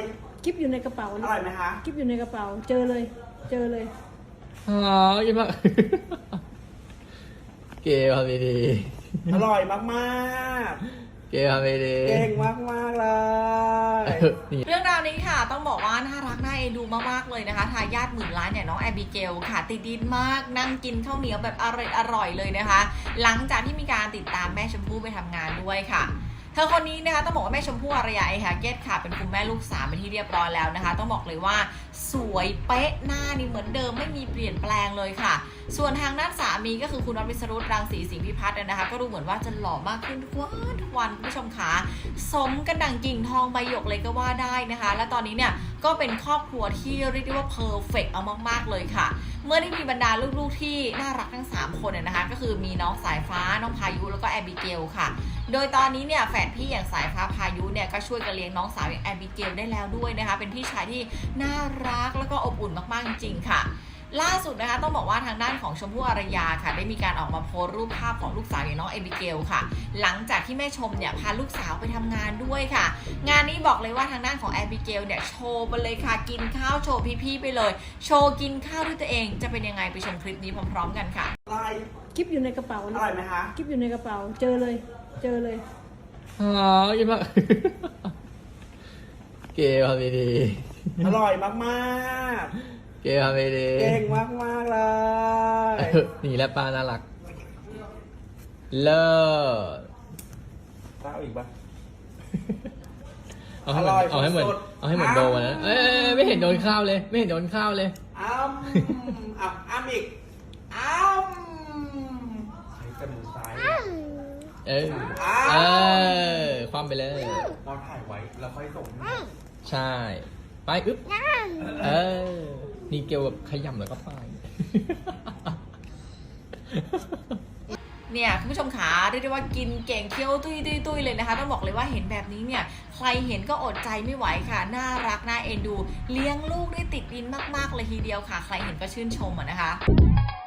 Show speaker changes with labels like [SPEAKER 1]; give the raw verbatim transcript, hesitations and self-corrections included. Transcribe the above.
[SPEAKER 1] คลิปอยู่ในกระเป๋า
[SPEAKER 2] อร่อยไหมคะ
[SPEAKER 1] คลิปอยู่ในกระเป๋าเจอเลย เจอเลย
[SPEAKER 3] อ๋อยิ่งมากเกย์ทำดี
[SPEAKER 2] อร่อยมาก
[SPEAKER 3] ๆเกย์ทำดี
[SPEAKER 2] ๆ เก่งมากๆเลย
[SPEAKER 4] เรื่องราวนี้ค่ะต้องบอกว่าน่ารักน่าเอ็นดูมากๆเลยนะคะทายาทหมื่นล้านเนี่ยน้องแอบิเกลค่ะติดดินมากนั่งกินข้าวเหนียวแบบอร่อยอร่อยเลยนะคะหลังจากที่มีการติดตามแม่ชมพู่ไปทำงานด้วยค่ะเธอคนนี้นะคะต้องบอกว่าแม่ชมพู่อารยาไอฮาเกตค่ะเป็นคุณแม่ลูกสามเป็นที่เรียบร้อยแล้วนะคะต้องบอกเลยว่าสวยเป๊ะหน้านี่เหมือนเดิมไม่มีเปลี่ยนแปลงเลยค่ะส่วนทางด้านสามีก็คือคุณน็อตวิศรุตรังสีสิงห์พิพัฒน์นะคะก็ดูเหมือนว่าจะหล่อมากขึ้นทุกวันทุกวันคุณผู้ชมคะสมกันดังกิ่งทองใบหยกเลยก็ว่าได้นะคะและตอนนี้เนี่ยก็เป็นครอบครัวที่เรียกได้ว่าเพอร์เฟกต์เอามากๆเลยค่ะเมื่อได้มีบรรดาลูกๆที่น่ารักทั้งสามคนนะคะก็คือมีน้องสายฟ้าน้องพายุแล้วก็แอบิเกลค่ะโดยตอนนี้เนี่ยแฝดพี่อย่างสายฟ้าพายุเนี่ยก็ช่วยกันเลี้ยงน้องสาวอย่างแอบิเกลได้แล้วด้วยนะคะเป็นพี่ชายที่น่ารักแล้วก็อบอุ่นมากๆจริงๆค่ะล่าสุดนะคะต้องบอกว่าทางด้านของชมพู่อารยาค่ะได้มีการออกมาโพสต์รูปภาพของลูกสาวอย่างน้องแอบิเกลค่ะหลังจากที่แม่ชมเนี่ยพาลูกสาวไปทำงานด้วยค่ะงานนี้บอกเลยว่าทางด้านของแอบิเกลเนี่ยโชว์ไปเลยค่ะกินข้าวโชว์พี่ๆไปเลยโชว์กินข้าวด้วยตัวเองจะเป็นยังไงไปชมคลิปนี้พร้อมๆกันค่ะ
[SPEAKER 2] อร่อย
[SPEAKER 1] คลิปอยู่ในกระเป๋า
[SPEAKER 2] อร่อยไหมคะ
[SPEAKER 1] คลิปอยู่ในกระเป๋าเจอเลย เจอเลย
[SPEAKER 3] อ๋อยิ่งมากเกย์ทำดี
[SPEAKER 2] อร่อยมาก
[SPEAKER 3] ๆเกย์ทำดี
[SPEAKER 2] ๆ เก่งมากๆเลย
[SPEAKER 3] ๆนี่แหละป้าน่ารักเลิศ
[SPEAKER 2] ข้าวอีกปะ
[SPEAKER 3] เอาให้เหมือนเอาให้เหมือนเอาให้เหมือนโดนนะเอ้ยไม่เห็นโดนข้าวเลย ไม่เห็นโดนข้าวเลย
[SPEAKER 2] อ้ำอ่ะอ้ำอีกอ้ำใช้แต่มือซ้าย
[SPEAKER 3] เออเออความไปเลย
[SPEAKER 2] เราถ่ายไว้แล้วค่อยส่ง
[SPEAKER 3] ใช่ ไปอึ๊บเออนี่เกลแบบขยำแล้วก็ไป
[SPEAKER 4] เนี่ยคุณผู้ชมขาเรียกได้ว่ากินเก่งเคี้ยวตุ้ยตุ้ยตุ้ยเลยนะคะต้องบอกเลยว่าเห็นแบบนี้เนี่ยใครเห็นก็อดใจไม่ไหวค่ะน่ารักน่าเอ็นดูเลี้ยงลูกได้ติดดินมากๆเลยทีเดียวค่ะใครเห็นก็ชื่นชมอ่ะนะคะ